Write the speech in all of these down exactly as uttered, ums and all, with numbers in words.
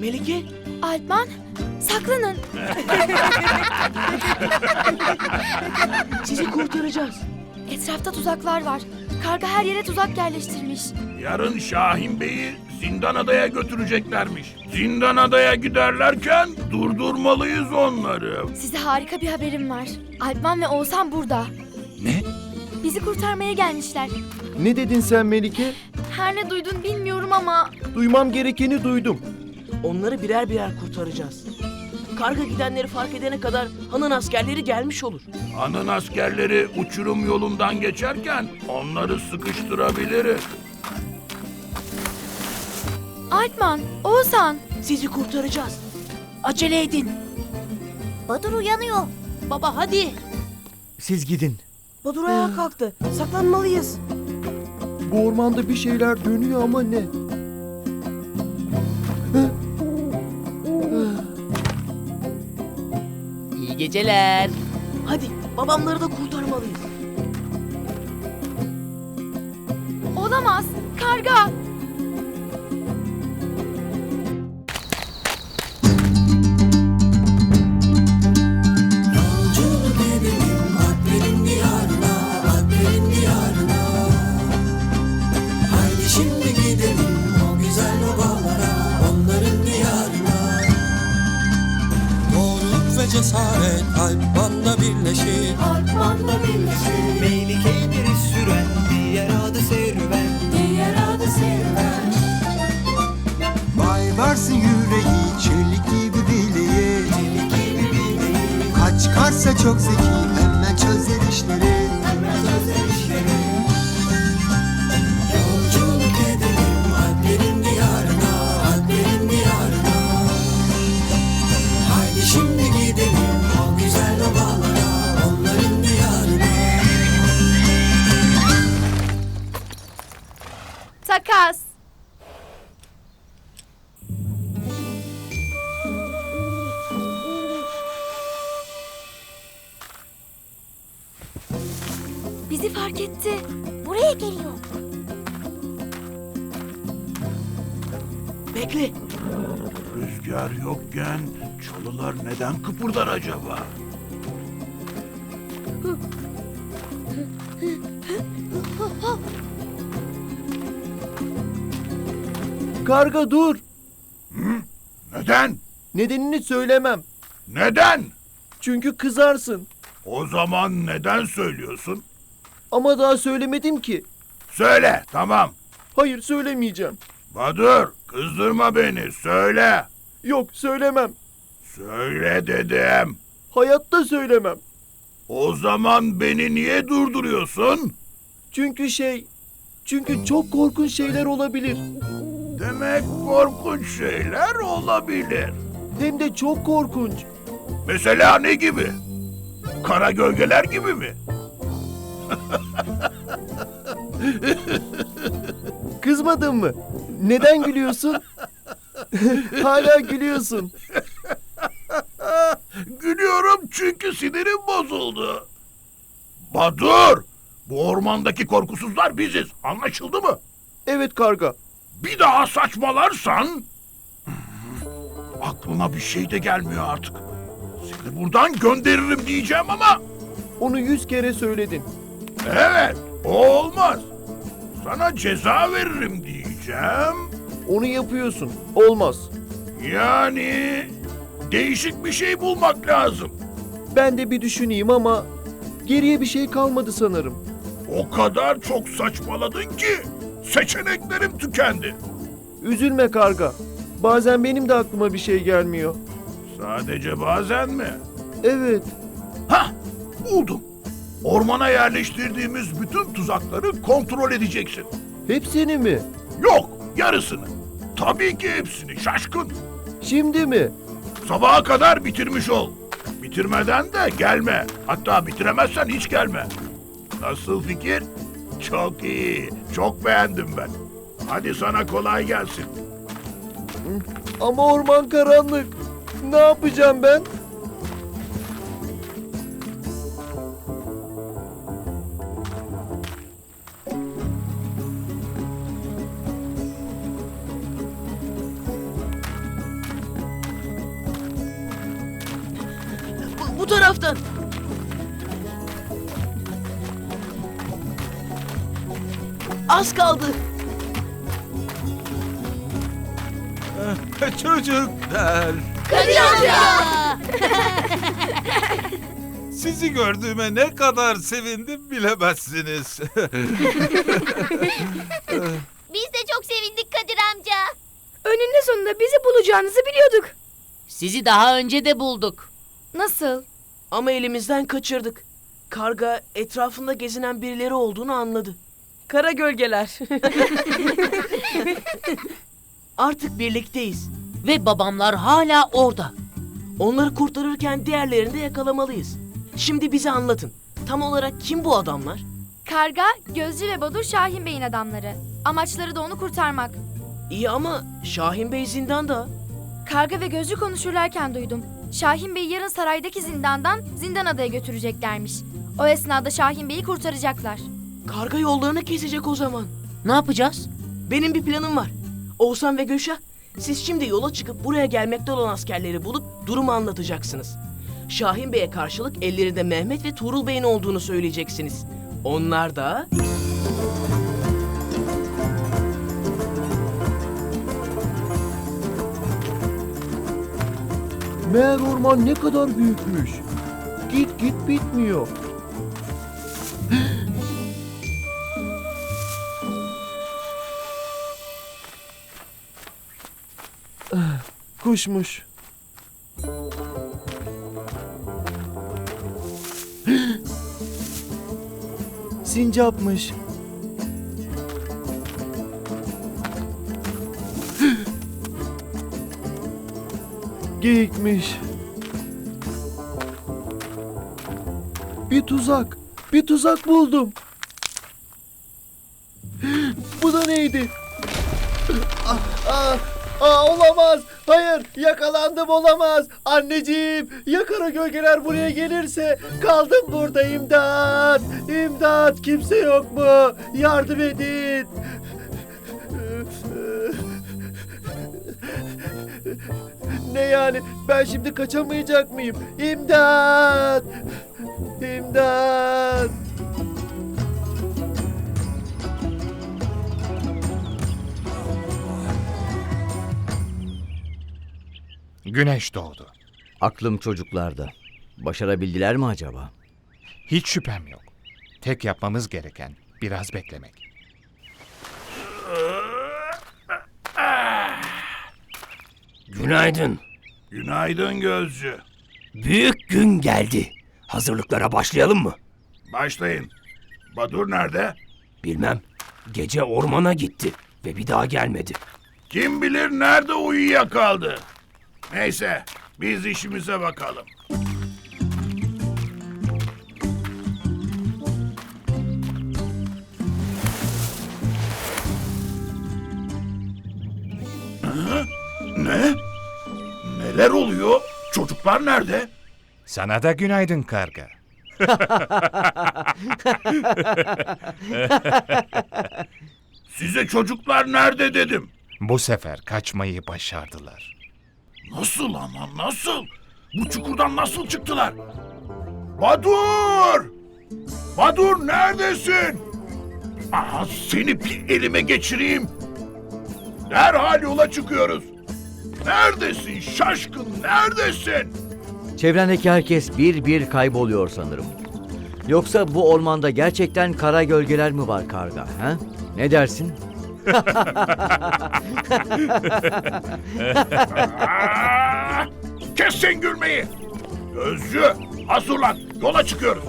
Melike? Alpman, saklanın. Sizi kurtaracağız. Etrafta tuzaklar var. Karga her yere tuzak yerleştirmiş. Yarın Şahin Bey'i Zindanada'ya götüreceklermiş. Zindanada'ya giderlerken durdurmalıyız onları. Size harika bir haberim var. Alpman ve Oğuzhan burada. Ne? Bizi kurtarmaya gelmişler. Ne dedin sen Melike? Her ne duydun bilmiyorum ama... Duymam gerekeni duydum. Onları birer birer kurtaracağız. Karga gidenleri fark edene kadar hanın askerleri gelmiş olur. Hanın askerleri uçurum yolundan geçerken onları sıkıştırabiliriz. Alpman, Oğuzhan. Sizi kurtaracağız. Acele edin. Badur uyanıyor. Baba hadi. Siz gidin. Badur ayağa kalktı. Saklanmalıyız. Bu ormanda bir şeyler dönüyor ama ne? İyi geceler. Hadi babamları da kurtarmalıyız. Olamaz. Karga. Cesaret Alpman'la birleşir. Alpman'la birleşir. Meylike'yi biri süren diğer adı serüven. Diğer adı serüven. Vay varsın yüreği çelik gibi bileği. Çelik gibi bileği. Kaç karsa çok zeki hemen çözer işleri. Hemen çözer işleri. Yolculuk edelim Alplerin diyarına. Alplerin diyarına. Haydi şimdi gidelim o güzel ovalara, onların diyarına. Takas. Bizi fark etti. Buraya geliyor. Bekle. Rüzgar yokken çalılar neden kıpırdar acaba? Karga dur. Neden? Nedenini söylemem. Neden? Çünkü kızarsın. O zaman neden söylüyorsun? Ama daha söylemedim ki. Söyle, tamam. Hayır söylemeyeceğim. Badur, kızdırma beni, söyle. Yok söylemem. Söyle dedim. Hayatta söylemem. O zaman beni niye durduruyorsun? Çünkü şey... Çünkü çok korkunç şeyler olabilir. Demek korkunç şeyler olabilir. Hem de çok korkunç. Mesela ne gibi? Kara gölgeler gibi mi? Kızmadın mı? Neden gülüyorsun? Hala gülüyorsun. Gülüyorum çünkü sinirim bozuldu. Badur! Bu ormandaki korkusuzlar biziz. Anlaşıldı mı? Evet karga. Bir daha saçmalarsan... Aklıma bir şey de gelmiyor artık. Seni buradan gönderirim diyeceğim ama... Onu yüz kere söyledin. Evet, o olmaz. Sana ceza veririm diyeceğim. Onu yapıyorsun. Olmaz. Yani... Değişik bir şey bulmak lazım. Ben de bir düşüneyim ama... Geriye bir şey kalmadı sanırım. O kadar çok saçmaladın ki... Seçeneklerim tükendi. Üzülme karga. Bazen benim de aklıma bir şey gelmiyor. Sadece bazen mi? Evet. Hah, buldum. Ormana yerleştirdiğimiz bütün tuzakları kontrol edeceksin. Hepsini mi? Yok, yarısını. Tabii ki hepsini, şaşkın. Şimdi mi? Sabaha kadar bitirmiş ol. Bitirmeden de gelme. Hatta bitiremezsen hiç gelme. Nasıl fikir? Çok iyi. Çok beğendim ben. Hadi sana kolay gelsin. Ama orman karanlık. Ne yapacağım ben? taraftan. Az kaldı. Çocuklar, Kadir amca! sizi gördüğüme ne kadar sevindim bilemezsiniz. Biz de çok sevindik Kadir amca. Önünde sonunda bizi bulacağınızı biliyorduk. Sizi daha önce de bulduk. Nasıl? Ama elimizden kaçırdık. Karga etrafında gezinen birileri olduğunu anladı. Kara gölgeler. Artık birlikteyiz. Ve babamlar hala orada. Onları kurtarırken diğerlerini de yakalamalıyız. Şimdi bize anlatın. Tam olarak kim bu adamlar? Karga, Gözcü ve Badur Şahin Bey'in adamları. Amaçları da onu kurtarmak. İyi ama Şahin Bey zindanda. Karga ve Gözcü konuşurlarken duydum. Şahin Bey'i yarın saraydaki zindandan Zindan Adaya götüreceklermiş. O esnada Şahin Bey'i kurtaracaklar. Karga yollarını kesecek o zaman. Ne yapacağız? Benim bir planım var. Oğuzhan ve Gülşah, siz şimdi yola çıkıp buraya gelmekte olan askerleri bulup durumu anlatacaksınız. Şahin Bey'e karşılık ellerinde Mehmet ve Tuğrul Bey'in olduğunu söyleyeceksiniz. Onlar da... Meğer orman ne kadar büyükmüş. Git git bitmiyor. Ah, Kuşmuş. Sincapmış. Geyikmiş. Bir tuzak. Bir tuzak buldum. Bu da neydi? Ah, ah, ah, olamaz. Hayır, yakalandım, olamaz. Anneciğim, ya kara gölgeler buraya gelirse? Kaldım burada, imdat. İmdat, kimse yok mu? Yardım edin. Ne yani? Ben şimdi kaçamayacak mıyım? İmdat! İmdat! Güneş doğdu. Aklım çocuklarda. Başarabildiler mi acaba? Hiç şüphem yok. Tek yapmamız gereken biraz beklemek. Günaydın. Günaydın Gözcü. Büyük gün geldi. Hazırlıklara başlayalım mı? Başlayın. Badur nerede? Bilmem. Gece ormana gitti ve bir daha gelmedi. Kim bilir nerede uyuyakaldı. Neyse, biz işimize bakalım. Hı? Ne? Neler oluyor? Çocuklar nerede? Sana da günaydın karga. Size çocuklar nerede dedim. Bu sefer kaçmayı başardılar. Nasıl ama nasıl? Bu çukurdan nasıl çıktılar? Badur! Badur neredesin? Aha, seni bir elime geçireyim. Derhal yola çıkıyoruz. Neredesin şaşkın, neredesin? Çevrendeki herkes bir bir kayboluyor sanırım. Yoksa bu ormanda gerçekten kara gölgeler mi var karga? Ha? Ne dersin? Aa, kes sen gülmeyi. Gözcü, hazırlan, yola çıkıyoruz.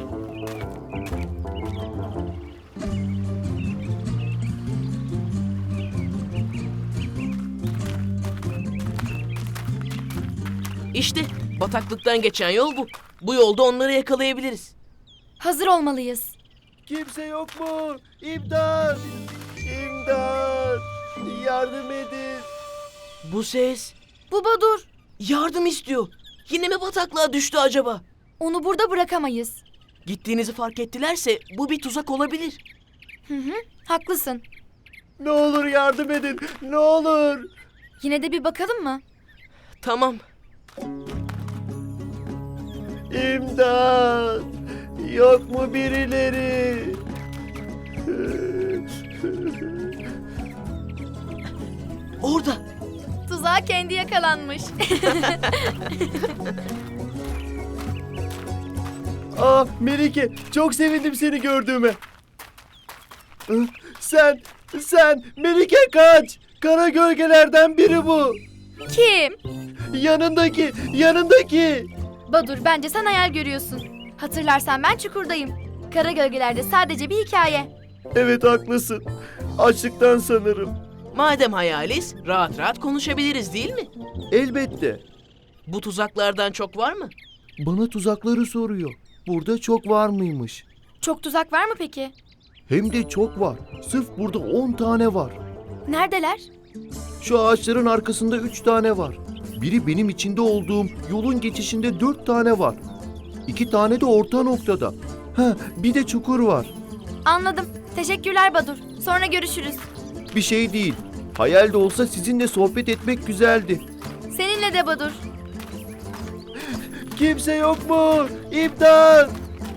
İşte bataklıktan geçen yol bu. Bu yolda onları yakalayabiliriz. Hazır olmalıyız. Kimse yok mu? İmdat! İmdat! Yardım edin. Bu ses Bu Badur. yardım istiyor. Yine mi bataklığa düştü acaba? Onu burada bırakamayız. Gittiğinizi fark ettilerse bu bir tuzak olabilir. Hı hı, haklısın. Ne olur yardım edin. Ne olur. Yine de bir bakalım mı? Tamam. İmdat! Yok mu birileri? Orada. Tuzağa kendi yakalanmış. Aa Melike, çok sevindim seni gördüğüme. Sen, sen Melike kaç! Kara gölgelerden biri bu. Kim? Yanındaki, yanındaki. Badur, bence sen hayal görüyorsun. Hatırlarsan ben çukurdayım. Kara gölgelerde sadece bir hikaye. Evet haklısın. Açlıktan sanırım. Madem hayaliz, rahat rahat konuşabiliriz değil mi? Elbette. Bu tuzaklardan çok var mı? Bana tuzakları soruyor. Burada çok var mıymış? Çok tuzak var mı peki? Hem de çok var. Sırf burada on tane var. Neredeler? Şu ağaçların arkasında üç tane var. Biri benim içinde olduğum yolun geçişinde dört tane var. İki tane de orta noktada. Ha, bir de çukur var. Anladım. Teşekkürler Badur. Sonra görüşürüz. Bir şey değil. Hayal de olsa sizinle sohbet etmek güzeldi. Seninle de Badur. Kimse yok mu? İmdat!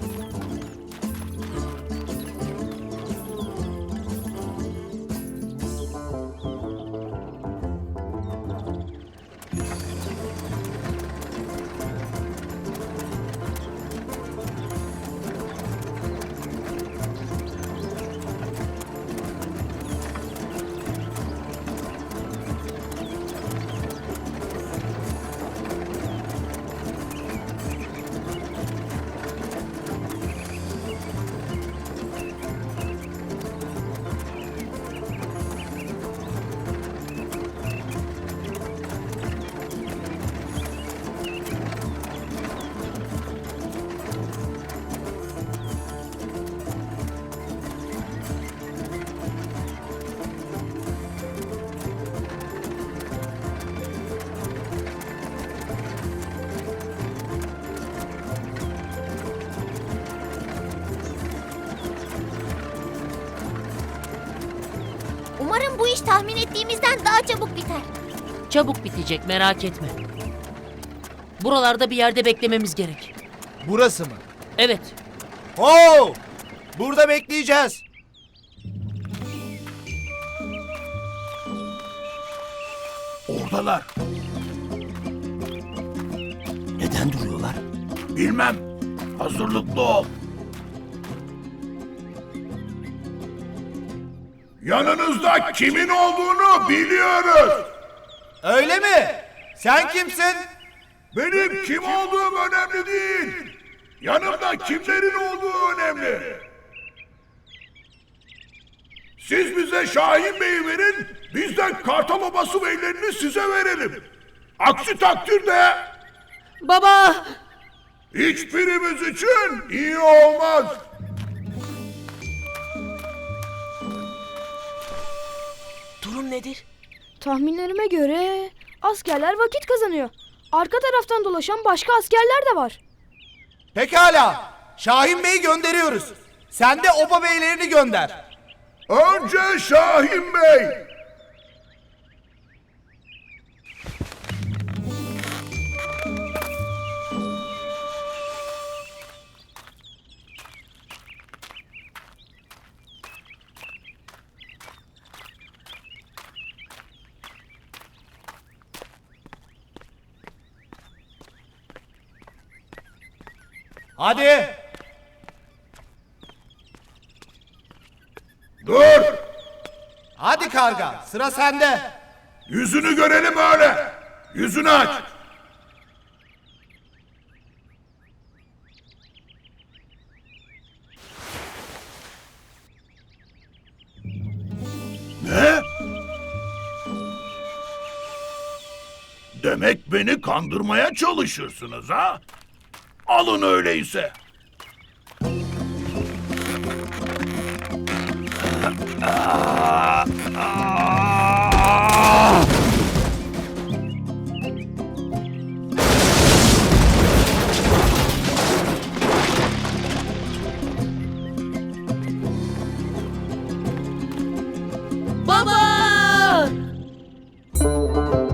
Umarım bu iş tahmin ettiğimizden daha çabuk biter. Çabuk bitecek, merak etme. Buralarda bir yerde beklememiz gerek. Burası mı? Evet. Oo! Burada bekleyeceğiz. Oradalar. Neden duruyorlar? Bilmem. Hazırlıklı ol. Yanınızda kimin olduğunu biliyoruz. Öyle mi? Sen kimsin? Benim kim olduğum önemli değil. Yanımda kimlerin olduğu önemli. Siz bize Şahin Bey'i verin, biz de Kartal Obası beylerini size verelim. Aksi takdirde Baba! hiçbirimiz için iyi olmaz. Durum nedir? Tahminlerime göre askerler vakit kazanıyor. Arka taraftan dolaşan başka askerler de var. Pekala. Şahin Bey'i gönderiyoruz. Sen de oba beylerini gönder. Önce Şahin Bey. Hadi. Dur. Hadi karga. Sıra sende. Yüzünü görelim öyle. Yüzünü aç. Ne? Demek beni kandırmaya çalışırsınız ha? Alın öyleyse. Baba!